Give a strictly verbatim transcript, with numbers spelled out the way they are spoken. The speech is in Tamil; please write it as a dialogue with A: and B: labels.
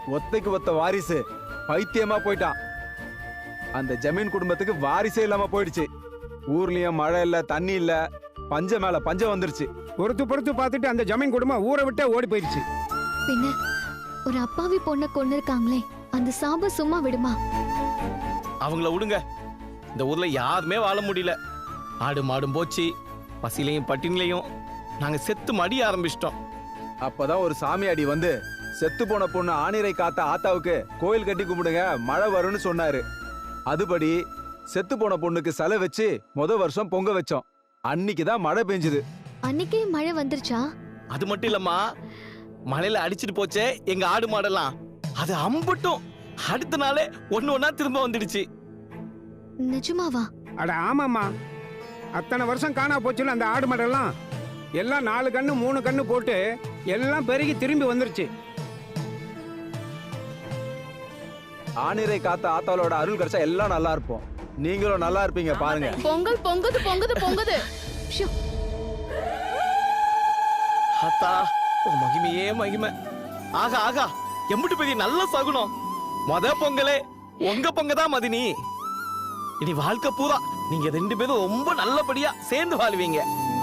A: ஒத்தைக்கு ஒத்த வாரிசு பைத்தியமா போயிட்டான். அந்த ஜமீன் குடும்பத்துக்கு வாரிசே இல்லாம போயிடுச்சு. ஊர்லயும் மழை இல்ல, தண்ணி இல்ல, பஞ்ச மேல பஞ்சம் வந்துருச்சு.
B: பொறுத்து பொறுத்து பார்த்துட்டு அந்த ஜமீன் குடும்பம் ஊரை விட்டே ஓடி போயிடுச்சு.
C: பின்ன ஒரு அப்பாவி பொண்ணை கொண்டு இருக்காங்களே, அந்த சாபம் சும்மா விடுமா?
D: அவங்கள விடுங்க. இந்த ஊர்ல யாருமே வாழ முடியல. ஆடு மாடும் போச்சு, பசிலையும் பட்டினிலையும் நாங்க செத்து மடிய ஆரம்பிச்சிட்டோம்.
A: அப்பதான் ஒரு சாமியாடி வந்து செத்து போன பொண்ணு ஆணிரை காத்த ஆத்தாவுக்கு கோயில் கட்டி கும்பிடுங்க, மழை வரும்னு சொன்னாரு. அதுபடி செத்து போன பொண்ணுக்கு செலை வச்சு முத வருஷம் பொங்க வச்சோம். அன்னைக்குதான் மழை பெஞ்சது.
C: அன்னைக்கே மழை வந்துருச்சா?
D: அது மட்டும் இல்லம்மா, மழையில அடிச்சிட்டு போச்சே எங்க ஆடு மாடெல்லாம், அது அம்பட்டும் அடுத்த நாளே ஒண்ணு ஒன்னா திரும்ப வந்துடுச்சு.
C: நிஜமாவா?
B: அட ஆமாம்மா, அத்தனை வருஷம் காணா போச்சுல அந்த ஆடு மாடெல்லாம். எல்லாம் நாலு கண்ணு மூணு கண்ணு போட்டு எல்லாம் பெருகி திரும்பி வந்துருச்சு.
A: ஆணிரை காத்த ஆத்தாவோட அருள் கிடைச்சா எல்லாம் நல்லா இருப்போம். நீங்களும் நல்லா இருப்பீங்க பாருங்க.
E: பொங்கல் பொங்குது பொங்குது பொங்குது.
C: ஷோ,
D: அத்தா உன் மகிமையே மகிமை. ஆகா ஆகா, எம்பிட்டு பெரிய நல்ல சகுனம். மொத பொங்கலே உங்க பொங்கதான் மதினி. இனி வாழ்க்கை பூரா நீங்க ரெண்டு பேரும் ரொம்ப நல்லபடியா சேர்ந்து வாழ்வீங்க.